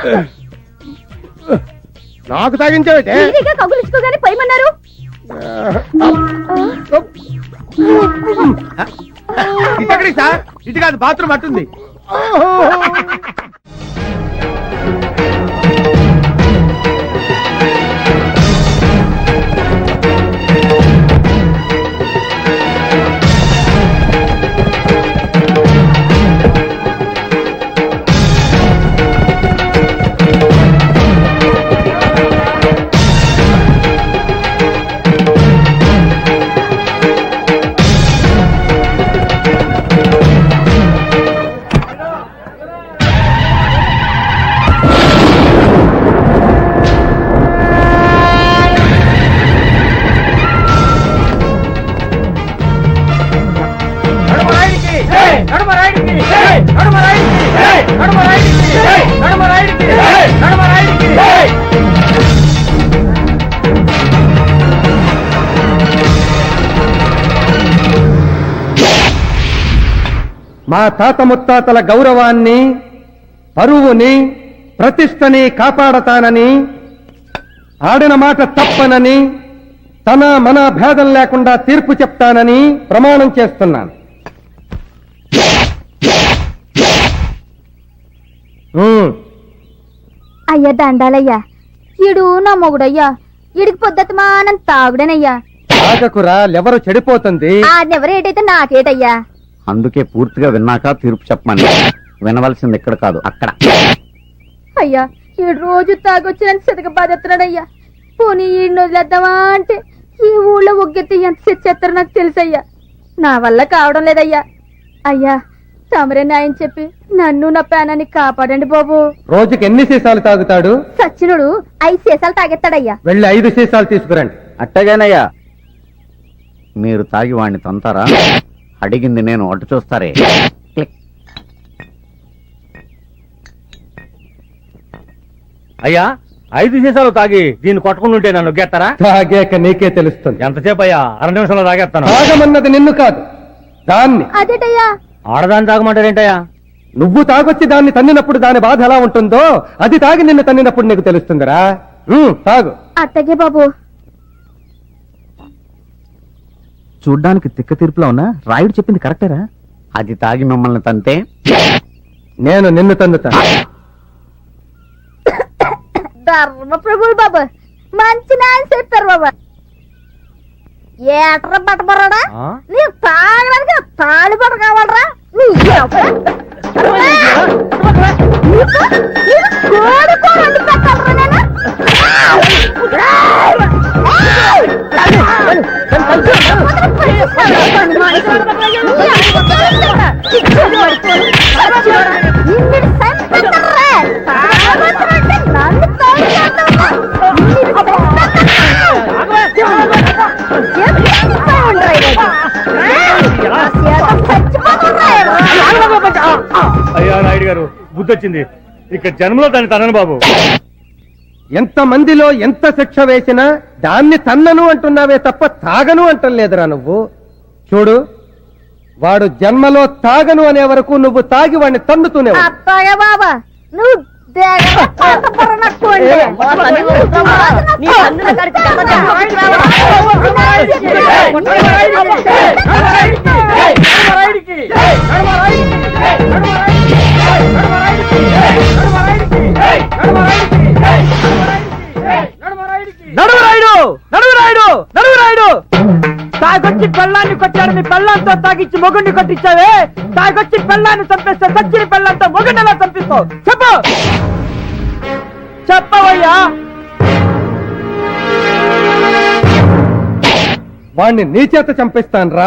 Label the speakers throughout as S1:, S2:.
S1: నాకు తాగించావే
S2: కగులుచుకోగానే పోయమన్నారు.
S1: ఇటెక్కడికి సార్? ఇటు కాదు, బాత్రూమ్ అట్టుంది. మా తాత ముత్తాతల గౌరవాన్ని, పరువుని, ప్రతిష్టని కాపాడతానని, ఆడిన మాట తప్పనని, తన మన భేదం లేకుండా తీర్పు చెప్తానని ప్రమాణం చేస్తున్నాను.
S2: అయ్యా దండాలయ్యా, ఈడు నా మొగుడయ్యా, ఈడికి పొద్దుమానం తాగుడేనయ్యా.
S1: తాగకురా, ఎవరు చెడిపోతుంది.
S2: ఆడెవరేటైతే నాకేటయ్యా.
S3: అందుకే పూర్తిగా విన్నాక తీర్పు చెప్పమని. వినవలసింది ఇక్కడ కాదు, అక్కడ.
S2: అయ్యా, ఈడు రోజు తాగొచ్చి నన్ను సితక బాధెత్తున్నాడయ్యా. పోనీ ఈడిని వదిలేద్దామా అంటే ఈ ఊళ్ళో ఒగ్గెత్తి ఎంత చెత్తరో నాకు తెలుసయ్యా. నా వల్ల కావడం లేదయ్యా. అయ్యా, తమరే న్యాయం చెప్పి నన్ను నా ప్రాణాన్ని కాపాడండి బాబు.
S1: రోజుకి ఎన్ని సీసాలు తాగుతాడు?
S2: సచ్చినుడు 5 సీసాలు తాగెత్తాడయ్యా.
S1: వెళ్ళి 5 సీసాలు తీసుకురండి.
S3: అట్టగానయ్యా. మీరు తాగి వాడిని తంతారా? అడిగింది నేను, అటు చూస్తారే.
S4: అయ్యా, 5 సీసాలు తాగి దీన్ని కొట్టుకుంటుంటే నన్ను గెత్తారా?
S1: తాగాక నీకే తెలుస్తుంది.
S4: ఎంతసేపు అయ్యా? 2 నిమిషంలో తాగేస్తాను.
S1: తాగమన్నది నిన్ను కాదు, దాన్ని.
S2: అదేటయ్యా?
S4: ఆడదాన్ని తాగమంటారేంటయ్యా?
S1: నువ్వు తాగొచ్చి దాన్ని తన్నినప్పుడు దాని బాధ ఎలా ఉంటుందో అది తాగి నిన్ను తన్నినప్పుడు నీకు తెలుస్తుందిరా. తాగు.
S2: అట్టగే బాబు.
S3: చూడ్డానికి తిక్క తీర్పులో ఉన్నా రాయుడు చెప్పింది కరెక్టేరా? అది తాగి మిమ్మల్ని తంతే
S1: నేను నిన్ను తన్నుతా.
S2: ధర్మ ప్రభులు బాబు, మంచి న్యాయం చెప్పారు బాబా. ఏట్రా పట్టబరాడా? నీ తాగడానికి తాళి పట్ట కావాలరా?
S4: అయ్యా నాయుడు గారు, బుద్ధి వచ్చింది. ఇక్కడ జన్మలో దాన్ని తనను బాబు.
S1: ఎంత మందిలో ఎంత శిక్ష వేసినా దాన్ని తన్నను అంటున్నావే తప్ప తాగను అంటలేదురా నువ్వు. చూడు, వాడు జన్మలో తాగను అనే వరకు నువ్వు తాగి వాడిని తన్నుతూనే
S2: అత్తగా బాబా, నువ్వు
S5: తాగొచ్చి పెళ్ళాన్ని కొట్టాడు, మీ పెళ్ళాంతో తాగిచ్చి మొగుడిని కొట్టించావే. తాగొచ్చి పెళ్ళాన్ని చంపేస్తే సచ్చిన పెళ్ళంతో మొగుడిని ఎలా చంపిస్తావు? చెప్పు, చెప్పవయ్యా.
S1: వాణ్ణి నీ చేత చంపిస్తాను రా.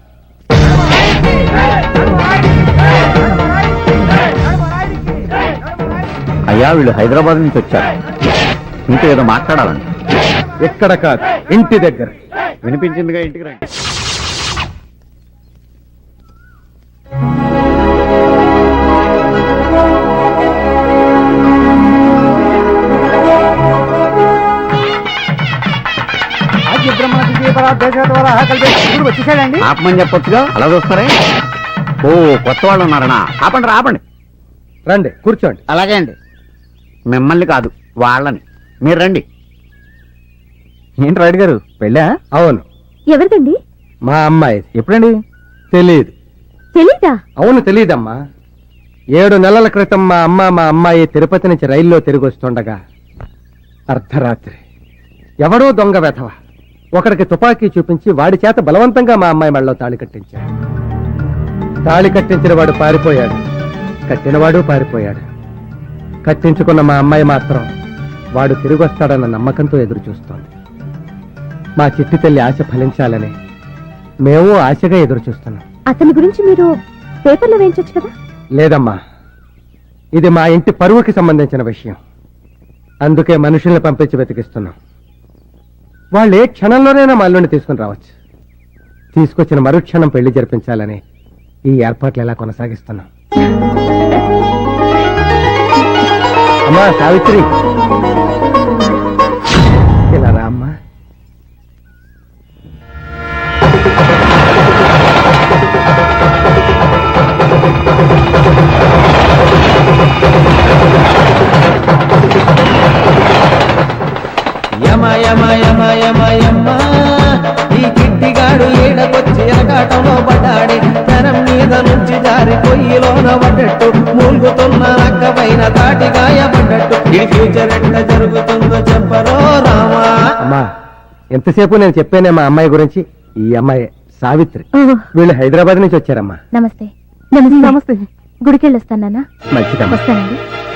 S3: అయ్యా, వీళ్ళు హైదరాబాద్ నుంచి వచ్చారు. ఇంట్లో ఏదో మాట్లాడాలండి.
S1: ఎక్కడ కాదు, ఇంటి దగ్గర.
S3: వినిపించిందిగా, ఇంటికి రండి.
S5: వచ్చేసాడండి.
S3: ఆపమని చెప్పొచ్చుగా, అలా చూస్తారే. ఓ, కొత్త వాళ్ళు ఉన్నారనా? ఆపండి, ఆపండి.
S1: రండి, కూర్చోండి.
S5: అలాగే అండి.
S3: మిమ్మల్ని కాదు వాళ్ళని. మీరు రండి.
S4: ఏంటి రాయుడు గారు పెళ్ళా?
S1: అవును,
S2: ఎవరిదండి?
S1: మా అమ్మాయి.
S4: ఎప్పుడండి?
S1: తెలియదు.
S2: తెలీదా?
S1: అవును, తెలియదమ్మా. 7 నెలల క్రితం మా అమ్మాయి తిరుపతి నుంచి రైల్లో తిరిగి వస్తుండగా అర్ధరాత్రి ఎవడో దొంగ వెధవ ఒకడికి తుపాకీ చూపించి వాడి చేత బలవంతంగా మా అమ్మాయి మెడలో తాళి కట్టించాడు. తాళి కట్టించిన వాడు పారిపోయాడు, కట్టినవాడు పారిపోయాడు. కట్టించుకున్న మా అమ్మాయి మాత్రం వాడు తిరిగి వస్తాడన్న నమ్మకంతో ఎదురు చూస్తోంది. మా చిట్టి తల్లి ఆశ ఫలించాలని మేము ఆశగా ఎదురు చూస్తున్నాం.
S2: అతని గురించి మీరు పేపర్లో వేయించొచ్చు కదా?
S1: లేదమ్మా, ఇది మా ఇంటి పరువుకి సంబంధించిన విషయం. అందుకే మనుషుల్ని పంపించి వెతికిస్తున్నాం. వాళ్ళు ఏ క్షణంలోనైనా మా అల్లుడిని తీసుకుని రావచ్చు. తీసుకొచ్చిన మరుక్షణం పెళ్లి జరిపించాలని ఈ ఏర్పాట్లు ఎలా కొనసాగిస్తున్నాం. అమ్మా సావిత్రి, ఇలా రా అమ్మా.
S6: యమ యమ యమ యమ యమ ఈ కిట్టిగాడు ఈడకొచ్చి ఎరకాటంలో పడ్డాడే. జనం మీద నుంచి జారి పొయ్యిలోన పడ్డట్టు, మూలుగుతున్న నక్క పైన తాటి గాయపడ్డట్టు. ఈ ఫ్యూచర్ ఎట్ట జరుగుతుందో చెప్పరో రామా.
S1: అమ్మా, ఎంతసేపు నేను చెప్పానే మా అమ్మాయి గురించి. ఈ అమ్మాయి సావిత్రి. వీళ్ళు హైదరాబాద్ నుంచి వచ్చారమ్మా.
S2: నమస్తే. నమస్తే. నమస్తే. గుడికి వెళ్ళొస్తాను నాన్న.
S1: మంచిదమ్మా.
S2: వస్తానండి.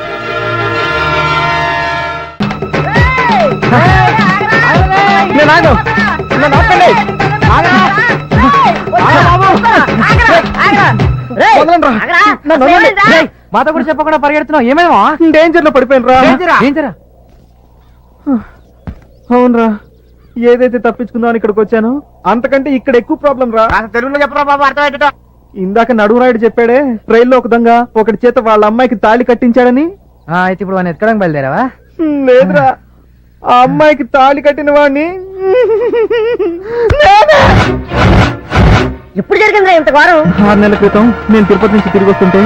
S5: మాతో కూడా చెప్పకుండా పరిగెడుతున్నావు, ఏమేమో
S1: డేంజర్ లో పడిపోయినరా.
S5: డేంజరా? అవునరా, ఏదైతే తప్పించుకుందామని ఇక్కడికి వచ్చాను అంతకంటే ఇక్కడ ఎక్కువ ప్రాబ్లం రా.
S3: తెలుగులో చెప్పరా బాబు, అర్థమయ్యేటట్టు.
S5: ఇందాక నడువురాయుడు చెప్పాడే, రైల్లో ఒక దొంగ ఒకటి చేత వాళ్ళ అమ్మాయికి తాళి కట్టించాడని.
S6: అయితే ఇప్పుడు వాడిని ఎక్కడానికి బయలుదేరావా?
S5: లేదురా, ఆ అమ్మాయికి తాళి కట్టిన వాడిని
S2: ఎప్పుడు జరిగిందిరా ఇంత ఘోరం?
S5: 6 నెలల క్రితం నేను తిరుపతి నుంచి తిరిగి వస్తుంటే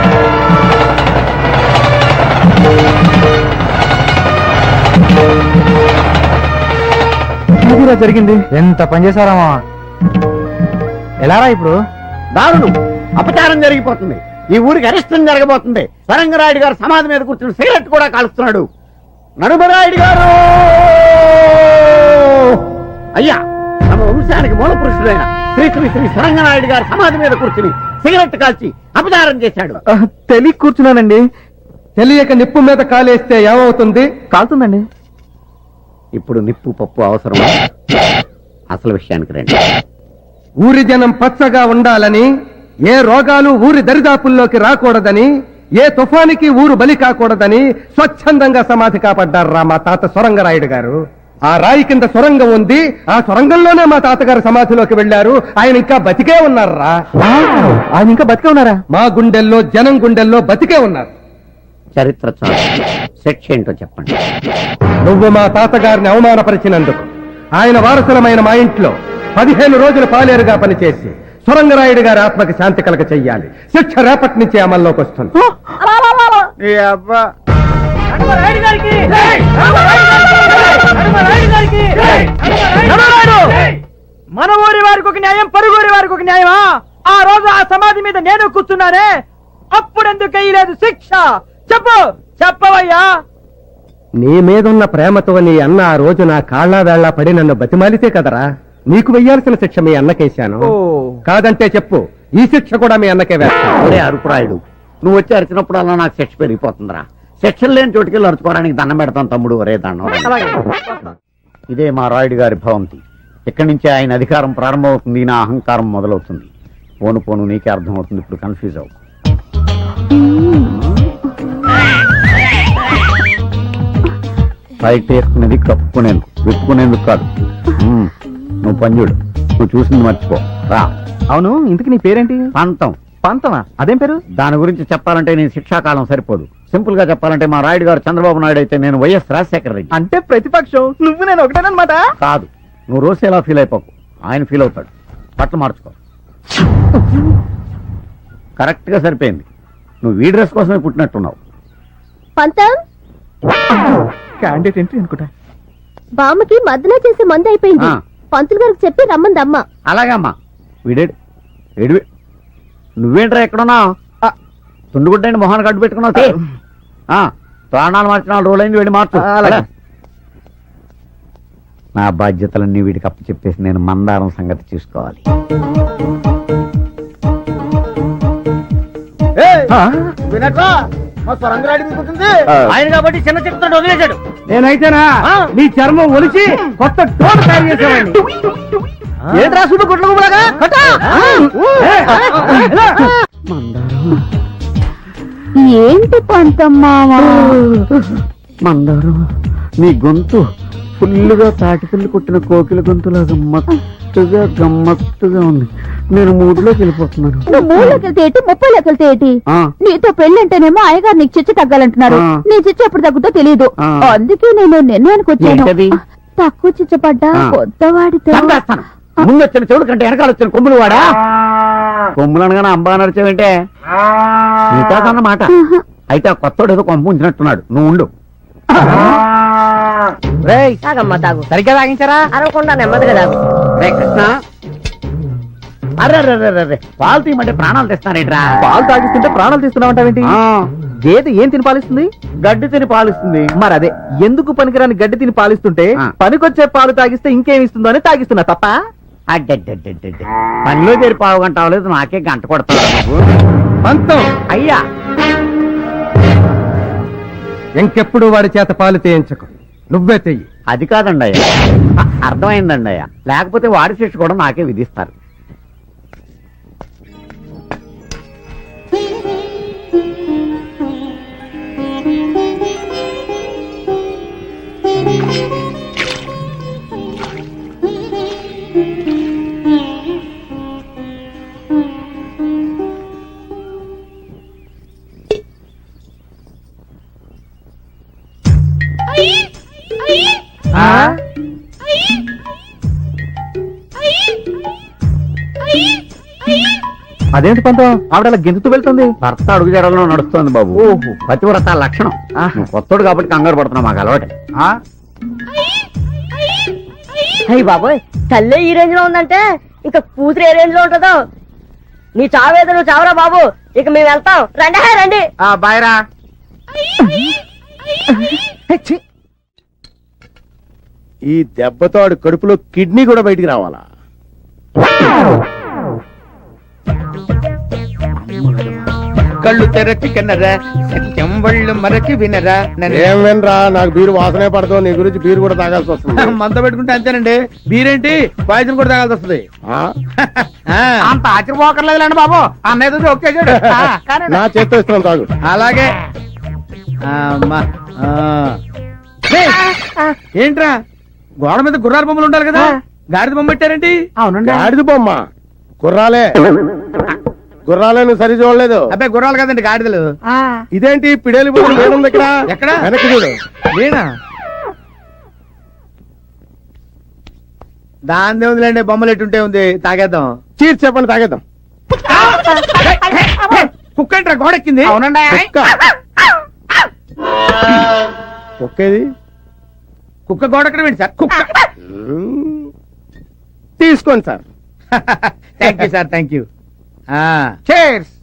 S5: అదిరా జరిగింది.
S6: ఎంత పని చేశారామా? ఎలారా ఇప్పుడు?
S3: దారుణం, అపచారం జరిగిపోతుంది. ఈ ఊరికి అరిష్టం జరగబోతుంది. సరంగరాయుడు గారు సమాధి మీద కూర్చుని సిగరెట్ కూడా కాలుస్తున్నాడు. నడుమరాయుడు గారు అయ్యా, తమ వంశానికి మూల పురుషుడైన శ్రీ శ్రీ శ్రీ సరంగనాయుడు గారు సమాధి మీద కూర్చుని సిగరెట్ కాల్చి అపచారం చేశాడు.
S5: తెలియ కూర్చున్నానండి.
S1: తెలియక నిప్పు మీద కాలేస్తే ఏమవుతుంది?
S5: కాలుతుందండి.
S3: ఇప్పుడు నిప్పు పప్పు అవసరమా? అసలు విషయానికి రండి.
S1: ఊరి జనం పచ్చగా ఉండాలని, ఏ రోగాలు ఊరి దరిదాపుల్లోకి రాకూడదని, ఏ తుఫానికి ఊరు బలి కాకూడదని స్వచ్ఛందంగా సమాధి కాపాడ్డారా మా తాత సొరంగరాయుడు గారు. ఆ రాయి కింద సొరంగం ఉంది, ఆ సొరంగంలోనే మా తాతగారు సమాధిలోకి వెళ్లారు. ఆయన ఇంకా బతికే ఉన్నారా?
S5: ఆయన ఇంకా బతికే ఉన్నారా?
S1: మా గుండెల్లో, జనం గుండెల్లో బతికే ఉన్నారు.
S3: చరిత్ర చాలు, శిక్ష ఏంటో చెప్పండి.
S1: నువ్వు మా తాతగారిని అవమానపరిచినందుకు ఆయన వారసులమైన మా ఇంట్లో 15 రోజులు పాలేరుగా పనిచేసి సొరంగరాయుడు గారి ఆత్మకి శాంతి కలగ చెయ్యాలి. శిక్ష రేపటి నుంచి అమల్లోకి వస్తుంది.
S5: మన ఊరి వారికి ఒక న్యాయం, పరుగురి వారికి ఒక న్యాయమా? ఆ రోజు ఆ సమాధి మీద నేను కూర్చున్నానే, అప్పుడెందుకు వేయలేదు శిక్ష? చెప్పు, చెప్పవయ్యా.
S1: నీ మీదున్న ప్రేమతో నీ అన్న ఆ రోజు నా కాళ్ళ వేళ్లా పడి నన్ను బతిమాలితే కదరా నీకు వెయ్యాల్సిన శిక్ష మీ అన్నకేశాను. కాదంటే చెప్పు, ఈ శిక్ష కూడా మీ అన్నకే వేస్తాను.
S3: ఒరే అరుపురాయుడు, నువ్వు వచ్చి అరిచినప్పుడు అలా నాకు శిక్ష పెరిగిపోతుందిరా. శిక్షలు లేని చోటుకెళ్ళి అరుచుకోవడానికి దండం పెడతాను తమ్ముడు. ఒరే దండం. ఇదే మా రాయుడు గారి భవంతి. ఇక్కడి నుంచే ఆయన అధికారం ప్రారంభమవుతుంది, నా అహంకారం మొదలవుతుంది. పోను పోను నీకే అర్థమవుతుంది. ఇప్పుడు కన్ఫ్యూజ్ అవు. బయట వేసుకునేది కప్పుకునేందుకు, విప్పుకునేందుకు కాదు. నువ్వు పంజుడు, నువ్వు చూసింది మర్చిపో రా.
S5: అవును, ఇంతకు నీ పేరేంటి?
S3: పంతం.
S5: పంతమా? అదేం పేరు?
S3: దాని గురించి చెప్పాలంటే నీ శిక్షాకాలం సరిపోదు. సింపుల్ గా చెప్పాలంటే మా రాయుడు గారు చంద్రబాబు నాయుడు అయితే నేను వైఎస్ రాజశేఖర రెడ్డి.
S5: అంటే ప్రతిపక్షం, నువ్వు నేను ఒకటేనమాట.
S3: కాదు, నువ్వు రోజు ఎలా ఫీల్ అయిపోకు, ఆయన ఫీల్ అవుతాడు. బట్టలు మార్చుకో. కరెక్ట్ గా సరిపోయింది. నువ్వు ఈ డ్రెస్ కోసమే పుట్టినట్టున్నావు.
S2: పంతం
S5: క్యాండిడేట్ ఎంట్రీ అనుకుంటా.
S2: బామ్మకి మధ్యలో చేసే మందు అయిపోయింది.
S3: ఆ.
S2: పంతులు గారికి చెప్పి రమ్మందమ్మ.
S3: అలాగే అమ్మా. వీడేడు ఏడివి నువ్వేంట్రా ఎక్కడున్నావు? తుండుగుడ్డండి మొహాన్ని కట్టు పెట్టుకున్నావు. తీ. ప్రాణాలు మార్చిన రోజులైంది, వెళ్ళి మార్చు.
S5: అలాగే.
S3: నా బాధ్యతలన్నీ వీడికి అప్పు చెప్పేసి నేను మందారం సంగతి చూసుకోవాలి.
S5: వినట్రా మా స్వరంగరాడి మీకుంటుంది.
S4: ఆయన కాబట్టి చిన్న చెప్తాడు వదిలేశాడు.
S1: నేనైతేనా నీ చర్మం ఒలిచి కొత్త డోర్ తయారు చేసేవాడిని.
S5: ఏంట్రా సుడు గుడ్ల గుబలాగా
S2: ఏంటి పంతమ్మా?
S3: మందారం, నీ గొంతు ఫుల్లుగా తాటిపిల్లి కొట్టిన కోకిల గొంతులాగా గమ్మత్తుగా ఉంది. నేను మూడులోకి వెళ్ళిపోతున్నాను.
S2: నువ్వు 3 లెక్కలతో ఏంటి, 30 లెక్కలతో ఏంటి?
S3: ఆ,
S2: నీతో పెళ్ళంటేనేమో అయ్యగారు నీకు చిచ్చు తగ్గాలంటున్నారు.
S3: ఆ.
S2: నీ చిచ్చు ఎప్పుడు తగ్గుతో తెలియదు.
S3: ఆ.
S2: అందుకే నేను నిర్ణయానికి వచ్చాను.
S3: ఏంటది?
S2: తక్కువ చిచ్చపడ్డా
S3: ఆ.
S2: కొత్తవాడితో.
S3: చంపేస్తాను. ముందు వచ్చిన చెవుడు కంటే వెనకాల వచ్చిన కొమ్ములు వాడా. కొమ్ములు అనగానే అంబా నడిచావంటే నీతాదన్నమాట. అయితే ఆ కొత్తోడు ఏదో కొంప ఉంచినట్టున్నాడు. నువ్వు ఉండు.
S5: తాగమ్మా తాగు. సరిగ్గా తాగించారా? అరవకుండా నెమ్మదిగా తాగు.
S3: రే కృష్ణ, అర్రే పాలు తీయమంటే ప్రాణాలు తెస్తానేట్రా.
S5: పాలు తాగిస్తుంటే ప్రాణాలు తీస్తున్నావంటావేంటి?
S3: ఆ,
S5: గేదె ఏం తిని పాలిస్తుంది?
S3: గడ్డి తిని పాలిస్తుంది.
S5: మరి అదే, ఎందుకు పనికిరాని గడ్డి తిని పాలిస్తుంటే
S3: ఆ.
S5: పనికొచ్చే పాలు తాగిస్తే ఇంకేం ఇస్తుందో అని తాగిస్తున్నా తప్ప.
S3: అడ్డడ్డడ్డడ్డ. పనిలో చేరి పావు గంట అవ్వలేదు, నాకే గంట కొడతావు నువ్వు.
S1: పంతం,
S3: అయ్యా,
S1: ఇంకెప్పుడు వాడి చేత పాలు తేయించకు. నువ్వే తెయ్యి.
S3: అది కాదండి అయ్యా. అర్థమైందండి అయ్యా. లేకపోతే వాడి శిక్ష కూడా నాకే విధిస్తారు.
S5: అదేంటి పంతం, ఆవిడ గెంతుతూ వెళ్తుంది.
S3: భర్త అడుగు జడలో నడుస్తోంది బాబు.
S5: ఓహో.
S3: పతివ్రత లక్షణం. నువ్వు కొత్తోడు కాబట్టి కంగారు పడుతున్నావు, మాకు అలవాటే.
S7: అయ్యి బాబోయ్, తల్లే ఈ రేంజ్ లో ఉందంటే ఇక కూతురు ఏ రేంజ్ లో ఉంటుందో. నీ చావేదో నువ్వు చావరా బాబు, ఇక మేము వెళ్తాం. రండి రండి.
S5: బాయ్రా.
S8: ఈ దెబ్బతో ఆడు కడుపులో కిడ్నీ కూడా బయటికి రావాలా?
S9: కళ్ళు తెరచి కన్నరా, సత్యం వాళ్ళు మరచి వినరా.
S8: ఏం వినరా, నాకు బీరు వాసనే పడదు. నీ గురించి బీరు కూడా తాగాల్సి వస్తుంది.
S9: మంద పెట్టుకుంటే అంతేనండి. బీరేంటి పాయసం కూడా తాగాల్సి వస్తుంది.
S8: ఆ?
S9: అంత ఆశ్చర్యపోకర్లేదులేండి బాబు, అన్నయ్య ఒక్కేసాడు.
S8: నా చేత్తో ఇస్తున్నాను, తాగు.
S9: అలాగే. అమ్మా. ఏంట్రా, గోడ మీద గుర్రాల బొమ్మలు ఉండాలి కదా, గాడిద బొమ్మ పెట్టారేంటి?
S5: అవునండి.
S8: గాడిద బొమ్మ గుర్రాలే. గుర్రాలే, నువ్వు సరి చూడలేదు.
S9: అబ్బాయి గుర్రాలు కదండి, గాడిదలు.
S8: ఇదేంటి పిడేలి బొమ్మ లేనుంది ఇక్కడ?
S9: ఎక్కడ?
S8: వెనక్కి చూడు.
S9: నేనా? దాని ఉందిలేండి, బొమ్మలు ఎట్టుంటే ఉంది. తాగేద్దాం.
S8: చీర్ చెప్పండి, తాగేద్దాం.
S9: కుక్క ఏంట్రా గోడెక్కింది?
S5: అవునండి.
S8: కుక్క. కుక్కేది?
S9: కుక్క గోడెక్కడ ఏంటి సార్? కుక్క.
S8: తీసుకోండి sir.
S9: Thank you sir, thank you. Cheers.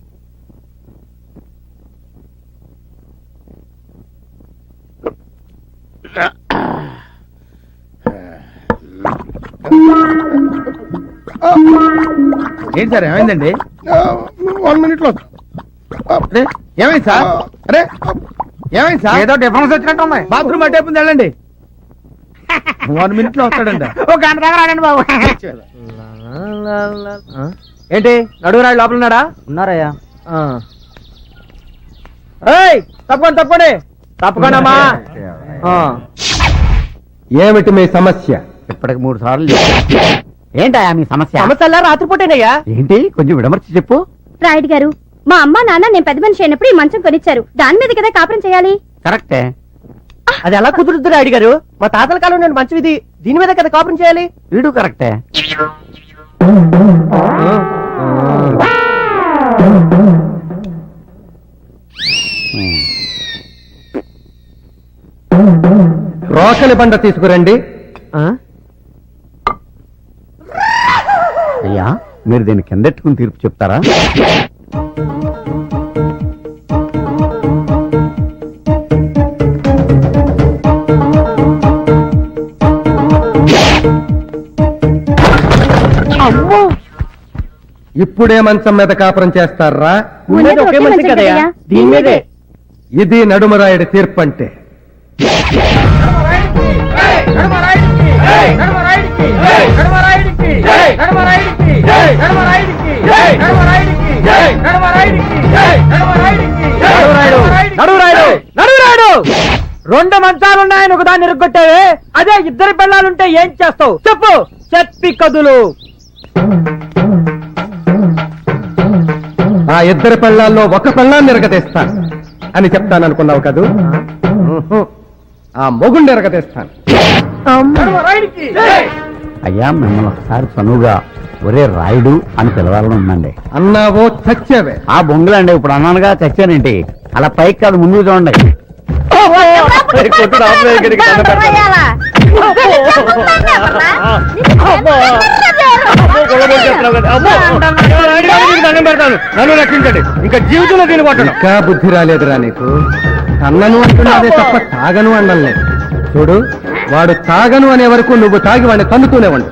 S9: ఏంటి సార్, ఏమైందండి?
S8: 1 minute లో.
S9: అరే, ఏమైంది సార్? అరే, ఏమైంది సార్?
S5: ఏదో డిఫరెన్స్ వచ్చినట్టు ఉంది.
S9: బాత్రూమ్ అట్టేపుంది, వెళ్ళండి. 1 minute లో వస్తాడండి.
S5: ఒక గంట దాకా రాడండి బాబు. ఏంటి, నడుగురాడు లోపల ఉన్నాడా? ఉన్నారయ్యా. తప్పకుండా తప్పండి, తప్పకుండా.
S1: ఏమిటి మీ సమస్య?
S3: ఇప్పటికి 3 సార్లు చెప్పా. ఏంటయ్యా మీ సమస్య?
S5: సమస్య రాత్రిపూటేనయ్యా.
S3: ఏంటి, కొంచెం విడమర్చి చెప్పు.
S2: రాయుడు గారు, మా అమ్మ నాన్న నేను పెద్ద మనిషి అయినప్పుడు ఈ మంచం కొనిచ్చారు. దాని మీద కదా కాపురం చేయాలి.
S3: కరెక్టే.
S5: అది ఎలా కుదురుద్దు రాయుడు గారు? మా తాతల కాలం నేను మంచి ఇది, దీని మీద కదా కాపురం చేయాలి.
S3: వీడు కరెక్టే.
S1: రోకలి బండ తీసుకురండి.
S3: అయ్యా మీరు దీన్ని కిందెట్టుకుని తీర్పు చెప్తారా?
S1: ఇప్పుడే మంచం మీద కాపురం చేస్తారా?
S7: ఉండేది ఒకే మంచి కదయ్యా, దీని మీదే.
S1: ఇది నడుమరాయుడి తీర్పు అంటే.
S5: రెండు మంచాలున్నాయని ఒకదాన్ని ఇరుగ్గొట్టావే, అదే ఇద్దరు పిల్లలుంటే ఏం చేస్తావు చెప్పు, చెప్పి కదులు.
S1: ఆ ఇద్దరి పెళ్ళాల్లో ఒక పెళ్ళాన్ని ఎరగతీస్తాను అని చెప్తాననుకున్నావు కదూ? ఆ మొగుండి ఎరగతీస్తాను.
S3: అయ్యా మిమ్మల్ని ఒకసారి చనువుగా ఒరే రాయుడు అని పిలవాలని ఉందండి.
S1: అన్నావో చచ్చావే.
S3: ఆ బొంగులండి, ఇప్పుడు అన్నానుగా చచ్చానేంటి? అలా పైకి కాదు, ముందుకు చూడండి.
S4: నన్ను రక్షించండి, ఇంకా జీవితంలో దీన్ని కొట్టను.
S1: ఇంకా బుద్ధి రాలేదురా నీకు? అన్నను అంటున్నాదే తప్ప తాగను అనలేదు. చూడు, వాడు తాగను అనే వరకు నువ్వు తాగి వాడిని తన్నుతూనే ఉండు.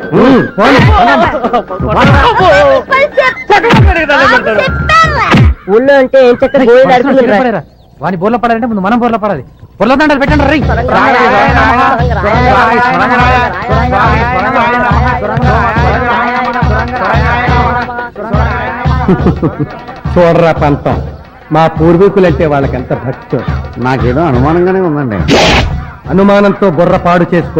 S7: ఊళ్ళో అంటే ఏం చక్కగా గోళీ నడుపుకుంటున్నారు.
S5: వాని బోర్లో పడాలంటే ముందు మనం బోర్లో పడాలి. బోర్లో దండలు పెట్టండి రై.
S1: చూడరా పంతం, మా పూర్వీకులంటే వాళ్ళకెంత భక్తి.
S3: నాకేదో అనుమానంగానే ఉందండి.
S1: అనుమానంతో బుర్ర పాడు చేసుకో.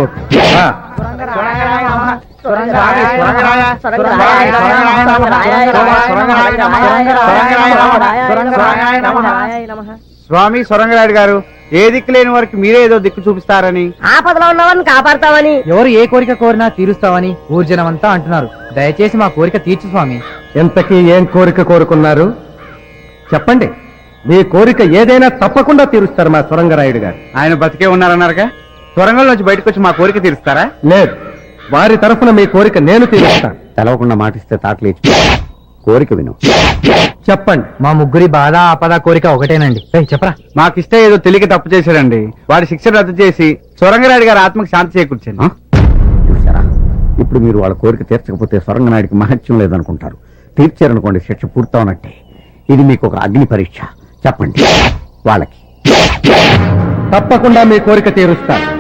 S9: స్వామి సొరంగరాయుడు గారు, ఏ దిక్కు లేని వారికి మీరే ఏదో దిక్కు చూపిస్తారని,
S7: ఆపదలో ఉన్నవారిని కాపాడతామని,
S5: ఎవరు ఏ కోరిక కోరినా తీరుస్తావని ఊర్జనమంతా అంటున్నారు. దయచేసి మా కోరిక తీర్చు స్వామి.
S1: ఎంతకీ ఏం కోరిక కోరుకున్నారు చెప్పండి. మీ కోరిక ఏదైనా తప్పకుండా తీరుస్తారు మా సొరంగరాయుడు గారు.
S9: ఆయన బతికే ఉన్నారన్నారుగా, సొరంగంలోంచి బయటకు వచ్చి మా కోరిక తీరుస్తారా?
S1: లేదు, వారి తరఫున మీ కోరిక నేను తీరుస్తాను.
S3: తెలవకుండా మాటిస్తే తాటలేచి కోరిక విను.
S1: చెప్పండి.
S5: మా ముగ్గురి బాధ ఆపద కోరిక ఒకటేనండి. చెప్పరా.
S9: మాకిష్ట ఏదో తెలియక తప్పు చేశాడండి. వాడి శిక్ష రద్దు చేసి సొరంగరాయుడు గారి ఆత్మకు శాంతి చేకూర్చండి.
S3: చూసారా, ఇప్పుడు మీరు వాళ్ళ కోరిక తీర్చకపోతే సొరంగనాయుడికి మహత్యం లేదనుకుంటారు. తీర్చారనుకోండి, శిక్ష పూర్తవునట్టే. ఇది మీకు ఒక అగ్ని పరీక్ష. చెప్పండి వాళ్ళకి.
S1: తప్పకుండా మీ కోరిక తీరుస్తాను.